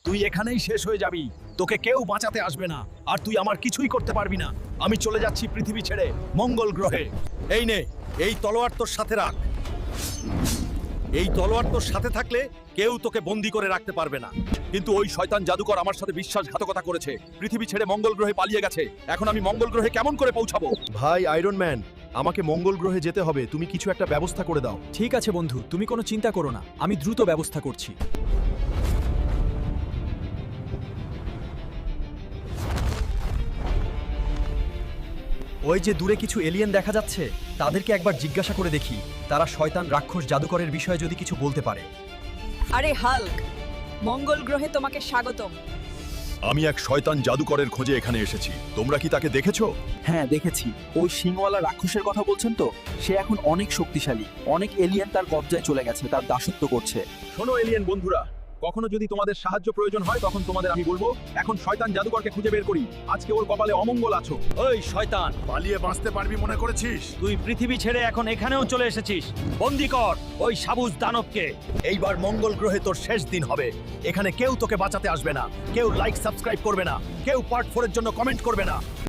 তুই এখানেই শেষ হয়ে যাবি। তোকে কেউ বাঁচাতে আসবে না, আর তুই আমার কিছুই করতে পারবি না। আমি চলে যাচ্ছি পৃথিবী ছেড়ে মঙ্গল গ্রহে। এই নে, এই তলোয়ার তোর সাথে রাখ। এই তলোয়ার তোর সাথে থাকলে কেউ তোকে বন্দি করে রাখতে পারবে না। কিন্তু ওই শয়তান জাদুকর আমার সাথে বিশ্বাসঘাতকতা করেছে, পৃথিবী ছেড়ে মঙ্গল গ্রহে পালিয়ে গেছে। এখন আমি মঙ্গল গ্রহে কেমন করে পৌঁছাবো? ভাই আয়রন ম্যান, আমাকে মঙ্গল গ্রহে যেতে হবে, তুমি কিছু একটা ব্যবস্থা করে দাও। ঠিক আছে বন্ধু, তুমি কোনো চিন্তা করো না, আমি দ্রুত ব্যবস্থা করছি। ওই যে দূরে কিছু এলিয়েন দেখা যাচ্ছে, তাদেরকে একবার জিজ্ঞাসা করে দেখি তারা শয়তান রাক্ষস জাদুকরের বিষয়ে যদি কিছু বলতে পারে। আরে হাল্ক, মঙ্গল গ্রহে তোমাকে স্বাগতম। আমি এক শয়তান জাদুকরের খোঁজে এখানে এসেছি, তোমরা কি তাকে দেখেছো? হ্যাঁ দেখেছি, ওই সিংওয়ালা রাক্ষসের কথা বলছেন তো? সে এখন অনেক শক্তিশালী, অনেক এলিয়েন তার কবজায় চলে গেছে, তার দাসত্ব করছে। শোনো এলিয়েন বন্ধুরা, কখনো যদি তোমাদের সাহায্য প্রয়োজন হয় তখন তোমাদের আমি বলবো। এখন শয়তান জাদুকরকে খুঁজে বের করি, আজকে ওর কপালে অমঙ্গল আছো। ওই শয়তান, পালিয়ে বাঁচতে পারবি মনে করেছিস? তুই পৃথিবী ছেড়ে এখন এখানেও চলে এসেছিস। বন্দি কর ওই সাবুজ দানবকে। এইবার মঙ্গল গ্রহে তোর শেষ দিন হবে। এখানে কেউ তোকে বাঁচাতে আসবে না, কেউ লাইক সাবস্ক্রাইব করবে না, কেউ পার্ট 4 এর জন্য কমেন্ট করবে না।